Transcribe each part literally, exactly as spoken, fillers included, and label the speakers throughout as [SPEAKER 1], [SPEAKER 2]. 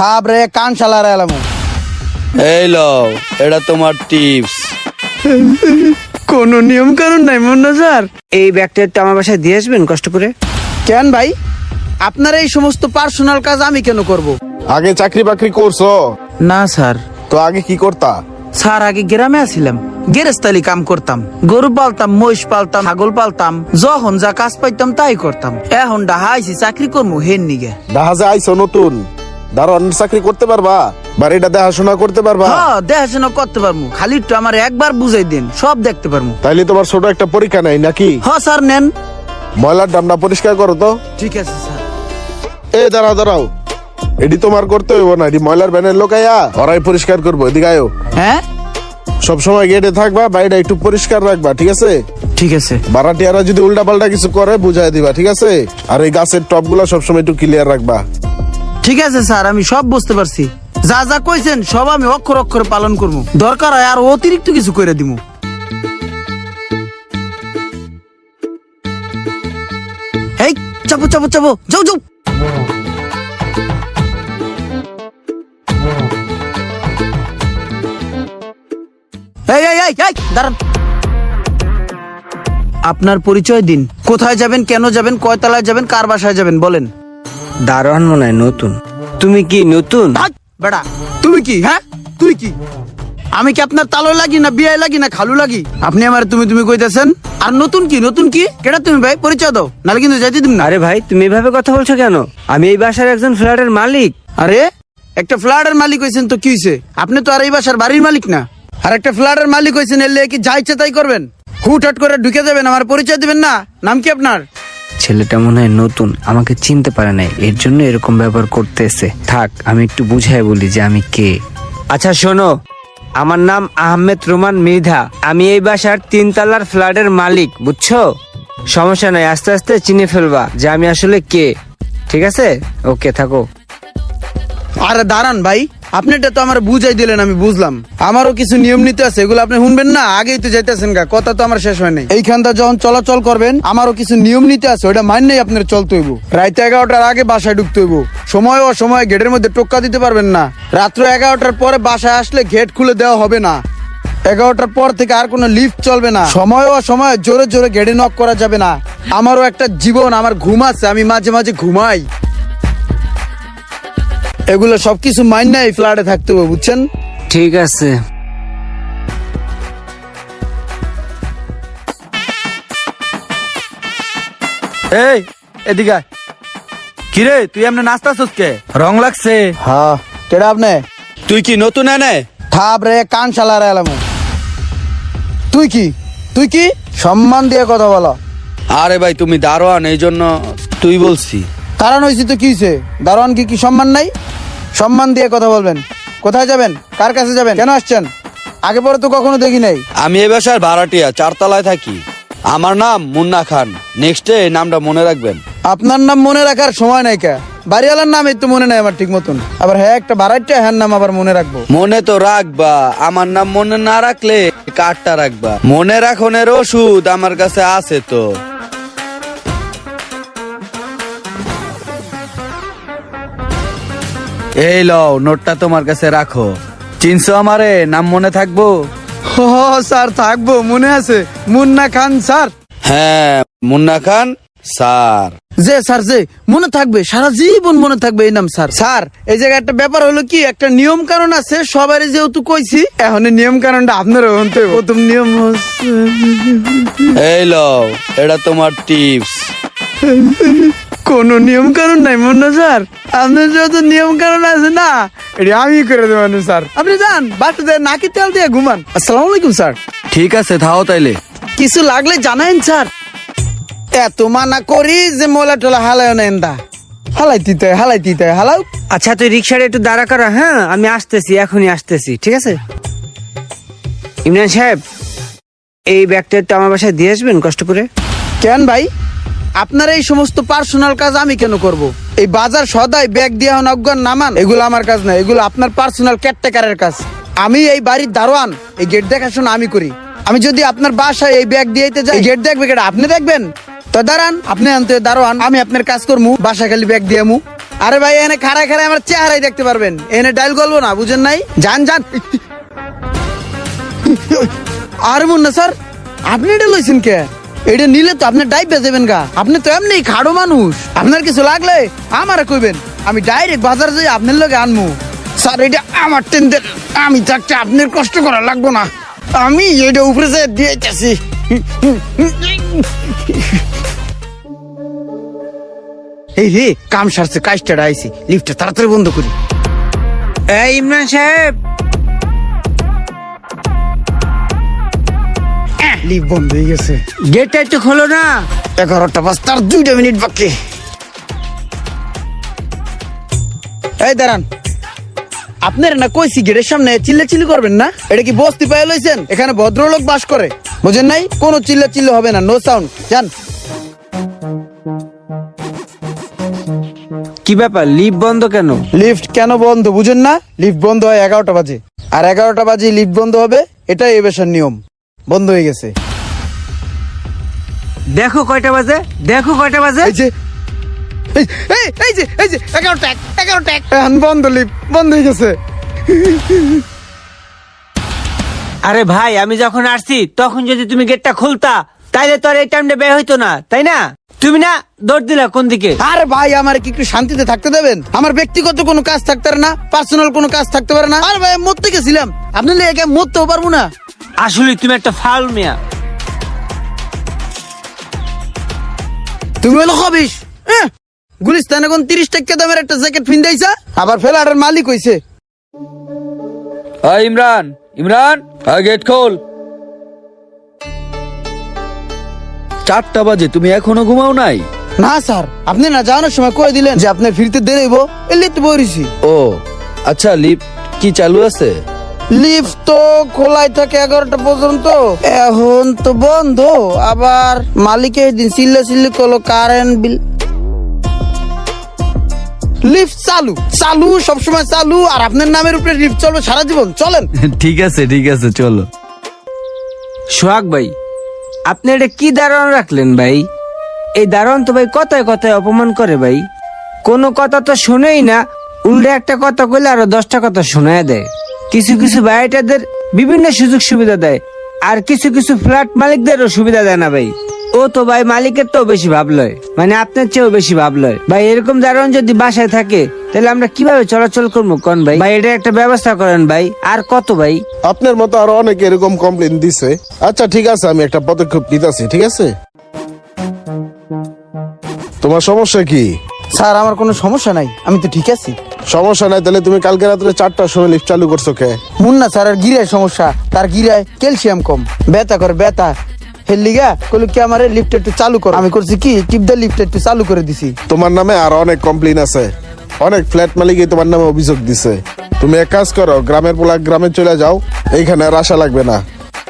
[SPEAKER 1] থাবরে কান শালার এলামু।
[SPEAKER 2] এই লও, এটা তোমার টিপস।
[SPEAKER 1] কোন নিয়ম কানুন নাই মুন্না স্যার।
[SPEAKER 3] এই ব্যাগটা একটু আমার বাসায় দিয়ে আসবেন কষ্ট করে।
[SPEAKER 1] কেন ভাই, আপনার এই সমস্ত পার্সোনাল কাজ আমি কেন করব?
[SPEAKER 4] আগে চাকরি বাকরি করছো?
[SPEAKER 1] না স্যার।
[SPEAKER 4] তো আগে কি করতা?
[SPEAKER 1] স্যার আগে গ্রামে আছিলাম, গেরেস্তালি কাম করতাম, গরু পালতাম, মহিষ পালতাম, ছাগল পালতাম, যখন যা কাজ পাইতাম তাই করতাম। এখন ডাহা আইছি চাকরি করবো হেন নিগে।
[SPEAKER 4] জাহাজে আইছো নতুন, দারোয়ান চাকরি করতে পারবা? বাড়িটা দেখাশোনা করতে পারবা?
[SPEAKER 1] হ্যাঁ দেখাশোনা করতে পারবো, খালি একটু আমার একবার বুঝাই দিন, সব দেখতে পারবো।
[SPEAKER 4] তাইলে তোমার ছোট একটা পরীক্ষা নাই নাকি?
[SPEAKER 1] হ্যাঁ স্যার নেন।
[SPEAKER 4] ময়লার ডামটা পরিষ্কার করো তো।
[SPEAKER 1] ঠিক আছে স্যার।
[SPEAKER 4] এ দাঁড়াও দাঁড়াও, এটি তোমার করতে হইব না, এটি ময়লার ব্যানের লোক আয়া ওরাই পরিষ্কার করবো। এদিকে আয়ো।
[SPEAKER 1] হ্যাঁ
[SPEAKER 4] সবসময় গেটে থাকবা, বাড়িটা একটু পরিষ্কার রাখবা, ঠিক আছে?
[SPEAKER 1] ঠিক আছে।
[SPEAKER 4] ভাড়াটিয়ারা যদি উল্টা পাল্টা কিছু করে বুঝাই দিবা, ঠিক আছে? আর এই গাছের টপ গুলা সবসময় একটু ক্লিয়ার রাখবা।
[SPEAKER 1] ঠিক আছে স্যার, আমি সব বুঝতে পারছি। যা যা কইছেন সব আমি অক্ষর অক্ষরে পালন করবো, দরকার হয় আর অতিরিক্ত কিছু করে দিব। এই চাপো চাপো চাপো, যাও যাও। এই এই এই এই দাঁড়ান। আপনার পরিচয় দিন, কোথায় যাবেন, কেন যাবেন, কয়তলায় যাবেন, কার বাসায় যাবেন বলেন।
[SPEAKER 3] দারোয়ান মনে হয় নতুন। তুমি কি নতুন?
[SPEAKER 1] হাট, বেটা তুমি কি? হ্যাঁ তুই কি? আমি কি আপনার তালো লাগি না বিয়ে লাগি না খালু লাগি? আপনি আমার তুমি তুমি কইতেছেন। আর নতুন কি নতুন কি কেটা তুমি ভাই, পরিচয় দাও, নালে কিন্তু যাইতে দিন না।
[SPEAKER 3] আরে ভাই তুমি এভাবে কথা বলছো কেন? আমি এই বাসার একজন ফ্ল্যাটের মালিক।
[SPEAKER 1] আরে একটা ফ্ল্যাটের মালিক হইছেন তো কি হইছে? আপনি তো আর এই বাসার বাড়ির মালিক না। আর একটা ফ্ল্যাটের মালিক হইছেন, এলে কি যা ইচ্ছা তাই করবেন? হুটহাট করে ঢুকে যাবেন, আমার পরিচয় দিবেন না? নাম কি আপনার?
[SPEAKER 3] ছেলেটা মনে হয় নতুন, আমাকে চিনতে পারে নাই, এর জন্য এরকম ব্যবহার করতেছে। থাক আমি একটু বুঝাই বলি যে আমি কে। আচ্ছা শোনো, আমার নাম আহমেদ রোমান মৃধা। আমি এই বাসার তিনতলার ফ্ল্যাটের মালিক, বুঝছো? সমস্যা নাই, আস্তে আস্তে চিনে ফেলবা যে আমি আসলে কে। ঠিক আছে, ওকে থাকো।
[SPEAKER 1] আরে দাঁড়ান ভাই, আপনি এটা তো আমার বুঝাই দিলেন, আমি বুঝলাম। আমারও কিছু নিয়ম নীতি আছে, এগুলো আপনি শুনবেন না? আগেই তো যাইতেছেন গা, কথা তো আমার শেষ হয় নাই। এইখানটা যখন চলাচল করবেন, আমারও কিছু নিয়ম নীতি আছে, ওইটা মানলেই আপনার চলতে হইব। রাত এগারোটার আগে বাসায় ঢুকতে হইব, সময় ও সময় গেটের মধ্যে টোক্কা দিতে পারবেন না। রাত্র এগারোটার পরে বাসায় আসলে গেট খুলে দেওয়া হবে না। এগারোটার পর থেকে আর কোনো লিফট চলবে না। সময় ও সময় জোরে জোরে গেটে নক করা যাবে না। আমারও একটা জীবন, আমার ঘুম আছে, আমি মাঝে মাঝে ঘুমাই। এগুলো সবকিছু মাইন নাই ফ্ল্যাটে থাকতে হবে, বুঝছেন?
[SPEAKER 3] ঠিক আছে।
[SPEAKER 2] এই এদিকে আয়। কিরে তুই এমনি নাচতাছস কে? রং লাগছে?
[SPEAKER 1] হ্যাঁ কেডা আপনি?
[SPEAKER 2] তুই কি নতুন এনে?
[SPEAKER 1] থাবরে কান শালার এলামু। তুই কি তুই কি সম্মান দিয়ে কথা বলো।
[SPEAKER 2] আরে ভাই তুমি দারোয়ান, এই জন্য তুই বলছি।
[SPEAKER 1] কারণ হয়েছি তো কি হয়েছে? দারোয়ান কি কি সম্মান নাই? সম্মান দিয়ে কথা বলবেন। কোথায় যাবেন, কার কাছে যাবেন, কেন আসছেন? আগে পরে তো কখনো দেখি নাই।
[SPEAKER 2] আমি এ বাসার ভাড়াটিয়া, চারতলায় থাকি। আমার নাম মুন্না খান। নেক্সট ডে নামটা মনে রাখবেন।
[SPEAKER 1] আপনার নাম মনে রাখার সময় নাই কা? বাড়িওয়ালার নাম এই তো মনে নাই আমার ঠিক মতন, আবার হ্যাঁ একটা ভাড়াটিয়া, হ্যাঁ নাম আবার মনে রাখবো?
[SPEAKER 2] মনে তো রাখবা, আমার নাম মনে না রাখলে কার্ডটা রাখবা। মনে রাখনের ওষুধ আমার কাছে আছে তো। এই লও, নোটটা তোমার কাছে রাখো। চিনছো আমারে? নাম মনে থাকবো?
[SPEAKER 1] ও স্যার থাকবো, মনে আছে, মুন্না খান স্যার।
[SPEAKER 2] হ্যাঁ মুন্না খান স্যার।
[SPEAKER 1] যে স্যার যে মনে থাকবে, সারা জীবন মনে থাকবে এই নাম স্যার। স্যার এই জায়গায় একটা ব্যাপার হলো কি, একটা নিয়ম কারণ আছে, সবারই যেহেতু কইছি, এখন এই নিয়ম কারণটা আপনারও হতে হবে। প্রথম নিয়ম হচ্ছে,
[SPEAKER 2] এই লও, এটা তোমার টিপস।
[SPEAKER 1] কোন নিয়ম কারণ নাই মুন্না স্যার, আপনার যত নিয়ম কারণ আছে না, এটা আমি করে দেবো স্যার। আপনি যান বাসাতে নাকি তেল দিয়ে ঘুমান। আসসালামু আলাইকুম স্যার।
[SPEAKER 2] ঠিক আছে থাও তাইলে।
[SPEAKER 1] কিছু লাগলে জানাইন স্যার। এত মানা করি যে মোলা টোলা হালায় না এন্দা হালাই দিতে হালাই দিতে হালাও।
[SPEAKER 3] আচ্ছা তুই রিক্সাটা একটু দাঁড়া করা। হ্যাঁ আমি আসতেছি, এখনই আসতেছি, ঠিক আছে? ইমরান সাহেব, এই ব্যাগটা একটু আমার বাসায় দিয়ে আসবেন কষ্ট করে।
[SPEAKER 1] কেন ভাই, আপনার এই সমস্ত পার্সোনাল কাজ আমি কেন করব? এই বাজার সদাই ব্যাগ দিয়ে অজ্ঞান নামান, এগুলো আমার কাজ না, এগুলো আপনার পার্সোনাল কেয়ারটেকারের কাজ। আমি এই বাড়ির দারোয়ান, এই গেট দেখাশোনা আমি করি। আমি যদি আপনার বাসায় এই ব্যাগ দিয়ে যাই, গেট দেখবে কেটা? আপনি দেখবেন তো? দাঁড়ান, আপনি আনতে দারোয়ান, আমি আপনার কাজ করমু, বাসা খালি ব্যাগ দিয়ে আমু। আরে ভাই এনে খাড়ায় খাড়ায় আমার চেহারাই দেখতে পারবেন, এনে ডাইল গলবো না, বুঝেন নাই? যান যান। আরে মুন্না স্যার, আপনি এটা লইছেন কে? এটা নিলে তো আপনি ডাইভ বেজেবেন গা, আপনি তো এমনি খাড়ো মানুষ, আপনার কিছু লাগলে আমারে কইবেন, আমি ডাইরেক্ট বাজার যাই আপনার লগে আনমু। স্যার এটা আমার টেন্ডার, আমি থাকতে আপনার কষ্ট করা লাগবো না, আমি এটা উপরে যে দিয়েছি। এই রে কাম সারছে, কাজটা আইছি, লিফটটা তাড়াতাড়ি বন্ধ করি।
[SPEAKER 3] এই ইমরান সাহেব,
[SPEAKER 1] লিফট বন্ধ হয়ে গেছে,
[SPEAKER 3] গেটটা একটু খোলো না।
[SPEAKER 1] এগারোটা বাজ তার দুইটা মিনিট বাকি। এই দাঁড়ান, আপনার না কইছি গেটের সামনে চিল্লা চিল্লি করবেন না, এটা কি বস্তি পায়ে লইছেন? এখানে ভদ্রলোক বাস করে, বুঝেন নাই? কোনো চিল্লা চিল্লি হবে না, নো সাউন্ড, জান।
[SPEAKER 3] কি ব্যাপার, লিফট বন্ধ কেন?
[SPEAKER 1] লিফট কেন বন্ধ বুঝেন না? লিফট বন্ধ হয় এগারোটা বাজে, আর এগারোটা বাজে লিফট বন্ধ হবে, এটাই এই বেশার নিয়ম। বন্ধ হয়ে গেছে।
[SPEAKER 3] দেখো কয়টা বাজে, দেখো কয়টা বাজে।
[SPEAKER 1] এই যে এই এই এই যে এই যে এগারোটা এক, এগারোটা এক, এখন বন্ধ, লিফট বন্ধ হয়ে গেছে।
[SPEAKER 3] আরে ভাই, আমি যখন আসছি তখন যদি তুমি গেটটা খুলতা তাইলে তো আর এই টাইমটা বের হইতো না, তাই না? তুমি না দৌড় দিলা কোন দিকে?
[SPEAKER 1] আরে ভাই, আমার কি একটু শান্তিতে থাকতে দেবেন? আমার ব্যক্তিগত কোনো কাজ থাকতে পারে না, পার্সোনাল কোনো কাজ থাকতে পারে না। আর ভাই আমি মরতে গেছিলাম, আপনি একা মরতেও পারবো না।
[SPEAKER 3] আসলে তুমি একটা ফাউল মিয়া।
[SPEAKER 1] তুমি হলো হবিস, গুলিস্তান এখন তিরিশ টাকা দামের একটা জ্যাকেট ফিন্দাইছা, আবার ফেলারের মালিক হইছে।
[SPEAKER 2] হাই ইমরান, ইমরান গেট খোল। চারটা বাজে, তুমি এখনো ঘুমাও নাই?
[SPEAKER 1] না স্যার, আপনি না যাওয়ানোর সময় কয়ে দিলেন যে আপনার ফিরতে দেরি হইব, এলে তো বইছি।
[SPEAKER 2] ও আচ্ছা, লিফট কি চালু আছে?
[SPEAKER 1] লিফট তো খোলাই থাকে এগারোটা পর্যন্ত, এখন তো বন্ধ। আবার মালিকের দিন চিল্লা চিল্লি করলো কারেন্ট বিল। লিফট চালু চালু সবসময় চালু, আর আপনার নামের উপরে লিফট চলবে সারা জীবন। চলেন।
[SPEAKER 2] ঠিক আছে ঠিক আছে, চলো।
[SPEAKER 3] সোহাগ ভাই, আপনি এটা কি দারোয়ান রাখলেন ভাই? এই দারোয়ান তো ভাই কথায় কথায় অপমান করে ভাই, কোনো কথা তো শুনেই না, উল্টে একটা কথা কইলে আরো দশটা কথা শোনায় দেয়। কিছু কিছু ভাইটাদের বিভিন্ন সুযোগ সুবিধা দেয়, আর কিছু কিছু ফ্ল্যাট মালিকদেরও সুবিধা দেয় না ভাই। ও তো ভাই মালিকের তো বেশি ভাব লয়, মানে আপনার চেয়েও বেশি ভাব লয় ভাই। এরকম দারোয়ান যদি বাসায় থাকে তাহলে আমরা কিভাবে চলাচল করবো কোন ভাই? ভাই এটা একটা ব্যবস্থা করেন ভাই। আর কত ভাই?
[SPEAKER 4] আপনার মতো আরো অনেক এরকম কমপ্লেন দিছে। আচ্ছা ঠিক আছে, আমি একটা পদক্ষেপ নিতেছি, ঠিক আছে? তোমার সমস্যা কি?
[SPEAKER 1] স্যার আমার কোনো সমস্যা নাই, আমি তো ঠিক আছি।
[SPEAKER 4] সমস্যা নাই তাহলে তুমি কালকে রাত্রে চারটার সময় লিফট চালু করছো কে?
[SPEAKER 1] মুন্না স্যারের গিরায় সমস্যা, তার গিরায় ক্যালসিয়াম কম, ব্যথা করে ব্যথা। হেলিগা কইলো কি আমারে লিফট একটু চালু করো, আমি করছি কি টিপ দা লিফট একটু চালু করে দিছি।
[SPEAKER 4] তোমার নামে আরো অনেক কমপ্লেন আছে, অনেক ফ্ল্যাট মালিকই তোমার নামে অভিযোগ দিছে। তুমি এক কাজ করো, গ্রামের পোলা গ্রামে চলে যাও, এইখানে আর আসা লাগবে না।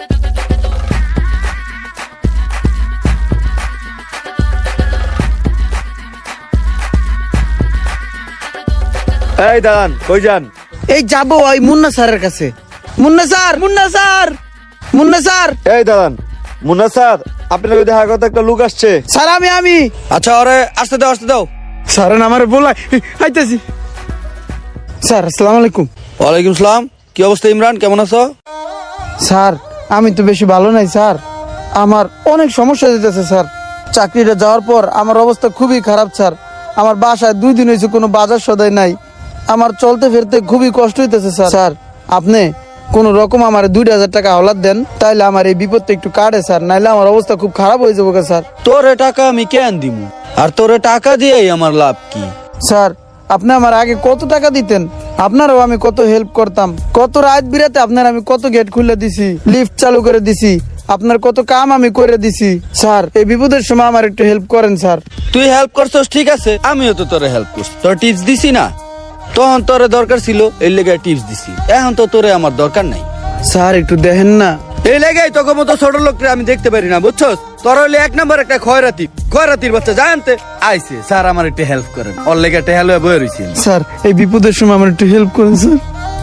[SPEAKER 2] এই দাঁড়ান, কই যান?
[SPEAKER 1] এই যাবো ওই মুন্না স্যারের কাছে। Munna sir, Munna sir, Munna sir.
[SPEAKER 2] এই দাঁড়ান, মুন্না স্যার আপনার দেখা কথা একটা লোক আসছে।
[SPEAKER 1] স্যার আমি আমি
[SPEAKER 2] আচ্ছা ওরে আসতে দাও, আসতে দাও।
[SPEAKER 1] স্যার আমার বলাই আইতাছি। স্যার আসসালামু আলাইকুম।
[SPEAKER 2] ওয়ালাইকুম সালাম। কি অবস্থা ইমরান, কেমন আছো?
[SPEAKER 1] স্যার আমি তো বেশি ভালো নাই স্যার, আমার অনেক সমস্যা দিতেছে স্যার। চাকরিটা যাওয়ার পর আমার অবস্থা খুবই খারাপ স্যার। আমার বাসায় দুই দিন হয়েছে কোনো বাজার সদাই নাই, আমার চলতে ফিরতে খুবই কষ্ট হইতেছে স্যার। স্যার আপনি কোন রকম আমার দুই হাজার টাকা হাওলাত দেন, তাইলে আমার এই বিপদটা একটু কাটে স্যার, নাইলে আমার অবস্থা খুব খারাপ হয়ে যাবো স্যার।
[SPEAKER 2] তোরে টাকা আমি কেন দিমু, আর তোরে টাকা দিয়েই আমার লাভ কি?
[SPEAKER 1] স্যার আপনি আমার আগে কত টাকা দিতেন, আপনারও আমি কত হেল্প করতাম, কত রাত বিরাতে আপনার আমি কত গেট খুলে দিছি, লিফট চালু করে দিছি, আপনার কত কাম আমি করে দিছি। স্যার এই বিপদের সময় আমার একটু হেল্প করেন স্যার।
[SPEAKER 2] তুই হেল্প করছস ঠিক আছে, আমিও তো তোরে হেল্প করছি, তোর টিপস দিছি না? তখন তোরে দরকার ছিল, এই লেগে টিপস দিছি, এখন তো তোরে আমার দরকার নাই।
[SPEAKER 1] স্যার একটু দেখেন না।
[SPEAKER 2] এই লেগে তোকে মতো ছোট লোককে আমি দেখতে পারি না, বুঝছস? তোর হইলে এক নম্বর একটা খয়রাতি, খয়রাতির বাচ্চা জানতে আইছে। স্যার আমার একটু হেল্প করেন, ওর লেগে একটা হেল্প বয়ে রয়েছি।
[SPEAKER 1] স্যার এই বিপদের সময় আমার একটু হেল্প করেন স্যার।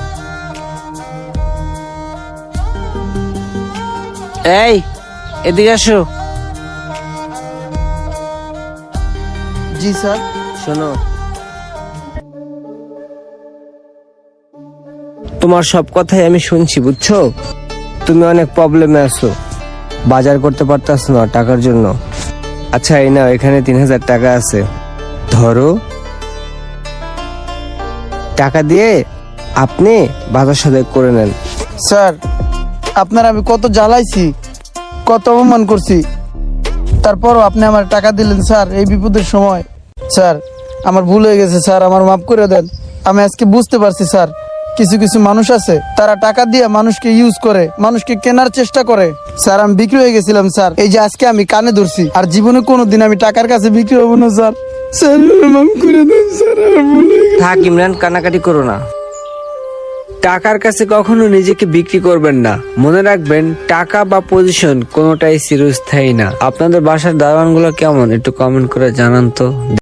[SPEAKER 3] এই এদিকে আসো।
[SPEAKER 1] জি স্যার।
[SPEAKER 3] শোনো, তোমার সব কথাই আমি শুনছি, বুঝছো? তুমি অনেক প্রবলেমে আছো, বাজার করতে পারতাছ না টাকার জন্য। আচ্ছা এই নাও, এখানে তিন হাজার টাকা আছে, ধরো। টাকা দিয়ে আপনি বাজার সদাই করে নেন।
[SPEAKER 1] স্যার আপনার আমি কত জ্বালাইছি, কত অপমান করছি, তারপরও আপনি আমার টাকা দিলেন স্যার এই বিপদের সময়। স্যার আমার ভুল হয়ে গেছে স্যার, আমার মাফ করে দেন। আমি আজকে বুঝতে পারছি স্যার, কিছু কিছু মানুষ আছে তারা টাকা দিয়ে মানুষকে ইউজ করে, মানুষকে কেনার চেষ্টা করে। স্যার আমি বিক্রি হয়ে গেছিলাম স্যার, এই যে আজকে আমি কানে ধরছি, আর জীবনে কোনোদিন আমি টাকার কাছে বিক্রি হবো না স্যার। স্যার মাফ করে দেন স্যার, আমার ভুল হয়ে গেছে।
[SPEAKER 3] থাক ইমরান, কান্নাকাটি করো না। টাকার কাছে কখনো নিজেকে বিক্রি করবেন না। মনে রাখবেন, টাকা বা পজিশন কোনোটাই চিরস্থায়ী না। আপনাদের বাসার দারোয়ানগুলো কেমন একটু কমেন্ট করে জানান তো।